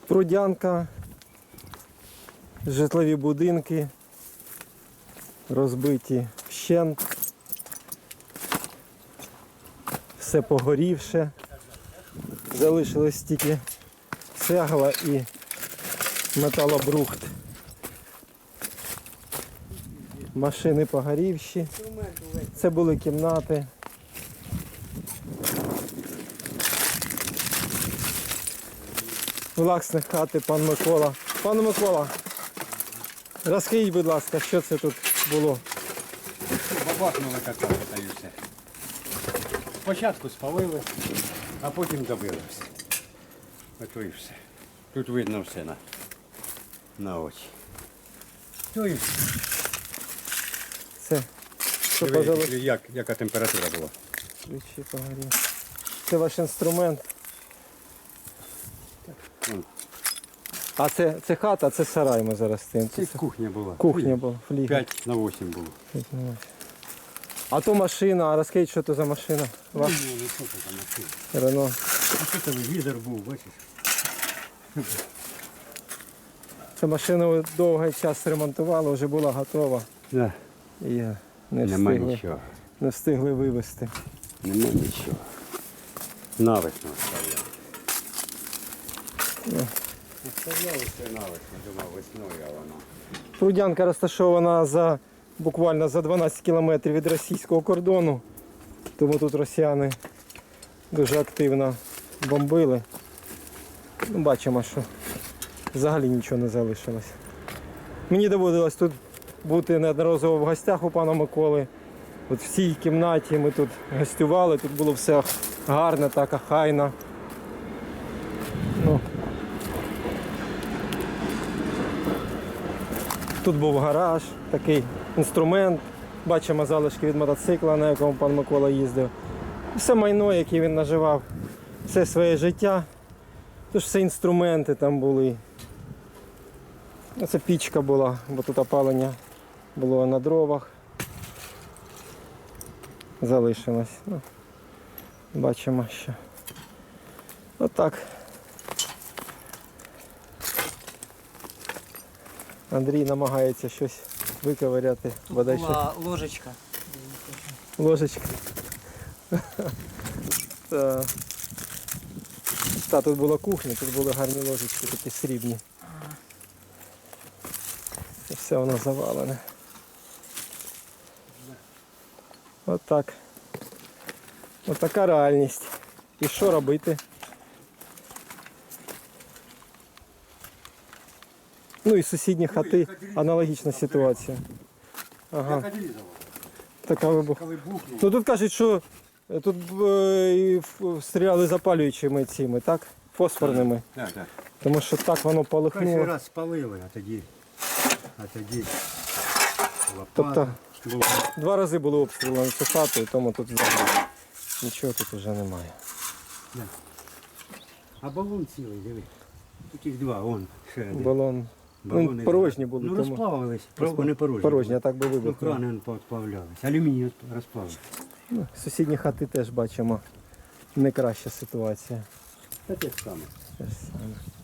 Прудянка, житлові будинки, розбиті вщент, все погорівше, залишилось тільки цегла і металобрухт. Машини погорівші, це були кімнати. Власник хати, пан Микола. Пане Микола, розкажіть, будь ласка, що це тут було? Бабахнули катали та й все. Спочатку спалили, а потім добили все. Ото і все. Тут видно все на очі. То і все. Це, що Диви, пожалуйста. яка температура була. Ключі погоріли. Це ваш інструмент. А це хата, це сарай ми зараз стоїмо. Це кухня була. Кухня була, флігель. 5 на 8 було. А то машина, а розкажіть, що це за машина? Ну, що це там машина? Рено. А що телевізор був, бачиш? Цю машину довгий час ремонтували, вже була готова. Да. І Нема нічого. не встигли вивезти. Нема нічого. Навесно стояв. Стояв усе навесно, думав весною, а воно. Прудянка розташована буквально за 12 кілометрів від російського кордону, тому тут росіяни дуже активно бомбили. Ну, бачимо, що взагалі нічого не залишилось. Мені доводилось тут бути неодноразово в гостях у пана Миколи. От в цій кімнаті ми тут гостювали, тут було все гарно, так охайно. Ну, тут був гараж, такий інструмент. Бачимо залишки від мотоцикла, на якому пан Микола їздив. Все майно, яке він наживав, все своє життя. Тож все інструменти там були. Це пічка була, бо тут опалення було на дровах. Залишилось. Ну, бачимо, що отак. Андрій намагається щось виковиряти. Тут була ложечка. Ложечка. Та, тут була кухня, тут були гарні ложечки, такі срібні. І все воно завалене. Отак. Отака реальність. І що робити? Ну і сусідні хати, аналогічна ситуація. Ага. Така вибух. Ну тут кажуть, що тут стріляли запалюючими цими, так? Фосфорними. Так, так. Тому що так воно Перший полихнуло. раз спалили, а тоді Тобто лопата була. 2 рази були обстріли на цю хату, і тому тут взагалі нічого тут вже немає. А балон цілий, диви. Тут їх 2, вон ще один. Балон. Балони Ну, порожні були. Ну тому розплавились, вони порожні. порожні, а так би Ну вибухнули. крани підплавлялись. Алюміній розплавився. Ну, сусідні хати теж бачимо не краща ситуація. Та те ж саме. Те ж саме.